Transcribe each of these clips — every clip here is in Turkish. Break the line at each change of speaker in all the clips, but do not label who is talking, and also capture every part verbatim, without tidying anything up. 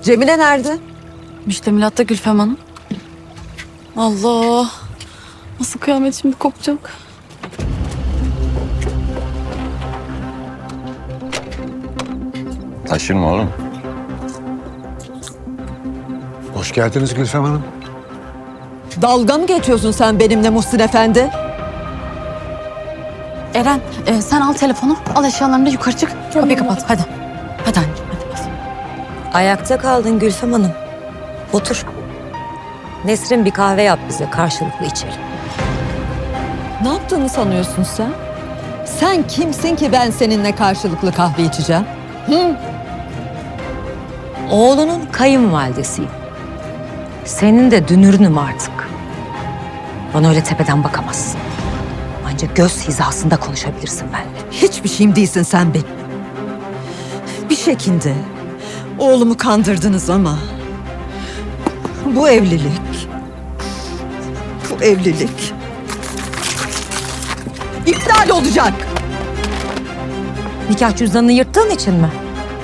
Cemile nerede?
Müştemilatta Gülfem Hanım. Allah. Nasıl kıyamet şimdi kopacak?
Taşırma oğlum.
Hoş geldiniz Gülfem Hanım.
Dalga mı geçiyorsun sen benimle Muhsin Efendi?
Eren e, sen al telefonu. Al eşyalarını da yukarı çık. Kapıyı kapat hadi. Hadi anneciğim hadi.
Ayakta kaldın Gülfem Hanım. Otur. Nesrin bir kahve yap bize, karşılıklı içelim.
Ne yaptığını sanıyorsun sen? Sen kimsin ki ben seninle karşılıklı kahve içeceğim? Hı?
Oğlunun kayınvalidesiyim. Senin de dünürünüm artık. Bana öyle tepeden bakamazsın. Ancak göz hizasında konuşabilirsin benimle.
Hiçbir şeyim değilsin sen benim. Bir şekilde oğlumu kandırdınız ama bu evlilik, bu evlilik iptal olacak.
Nikah cüzdanını yırttığın için mi?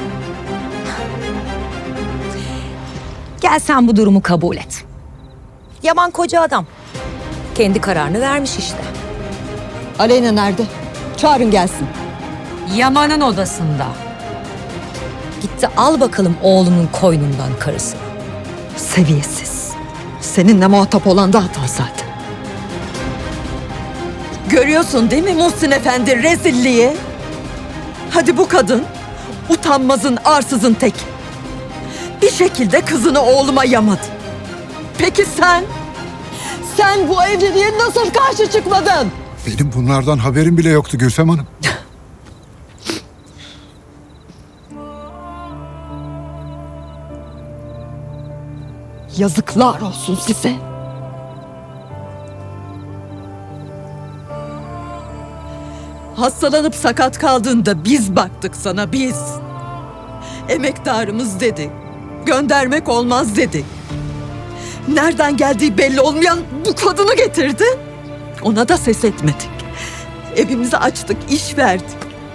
Gel sen bu durumu kabul et. Yaman koca adam. Kendi kararını vermiş işte.
Aleyna nerede? Çağırın gelsin.
Yaman'ın odasında. Gitti al bakalım oğlunun koynundan karısını.
Seviyesiz. Seninle muhatap olan da hata zaten. Görüyorsun değil mi Muhsin Efendi rezilliği? Hadi bu kadın utanmazın arsızın tek. Bir şekilde kızını oğluma yamadı. Peki sen? Sen bu evliliğe nasıl karşı çıkmadın?
Benim bunlardan haberim bile yoktu Gülfem Hanım.
Yazıklar olsun size. Hastalanıp sakat kaldığında biz baktık sana, biz. Emektarımız dedik. Göndermek olmaz dedik. Nereden geldiği belli olmayan bu kadını getirdi. Ona da ses etmedik. Evimizi açtık, iş verdik.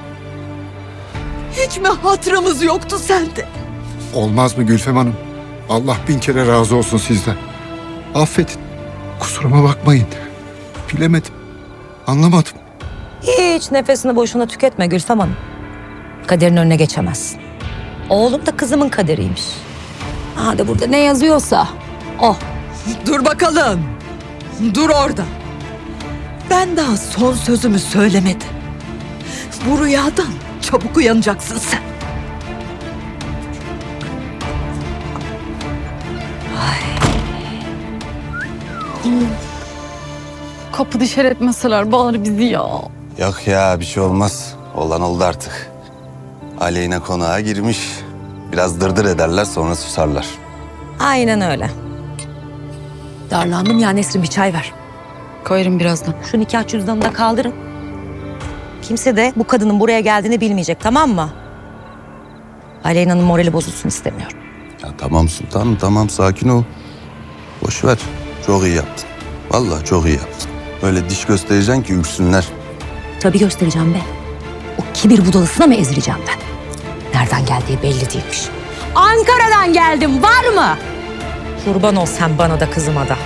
Hiç mi hatırımız yoktu sende?
Olmaz mı Gülfem Hanım? Allah bin kere razı olsun sizden. Affedin. Kusuruma bakmayın. Bilemedim. Anlamadım.
Hiç nefesini boşuna tüketme Gülfem Hanım. Kaderin önüne geçemezsin. Oğlum da kızımın kaderiymiş. Hadi burada ne yazıyorsa o.
Dur bakalım. Dur orada. Ben daha son sözümü söylemedim. Bu rüyadan çabuk uyanacaksın sen.
Kapı dışarı etmeseler bari bizi ya.
Yok ya bir şey olmaz. Olan oldu artık. Aleyna konağa girmiş. Biraz dırdır ederler sonra susarlar.
Aynen öyle. Darlandım ya Nesrin bir çay ver.
Koyarım birazdan.
Şu nikah cüzdanını da kaldırın. Kimse de bu kadının buraya geldiğini bilmeyecek tamam mı? Aleyna'nın morali bozulsun istemiyorum.
Ya tamam sultanım tamam sakin ol. Boş ver. Çok iyi yaptın. Vallahi çok iyi yaptın. Öyle diş göstereceksin ki üksünler.
Tabii göstereceğim be. O kibir budalısına mı ezileceğim ben? Nereden geldiği belli değilmiş. Ankara'dan geldim var mı? Kurban ol sen bana da kızıma da.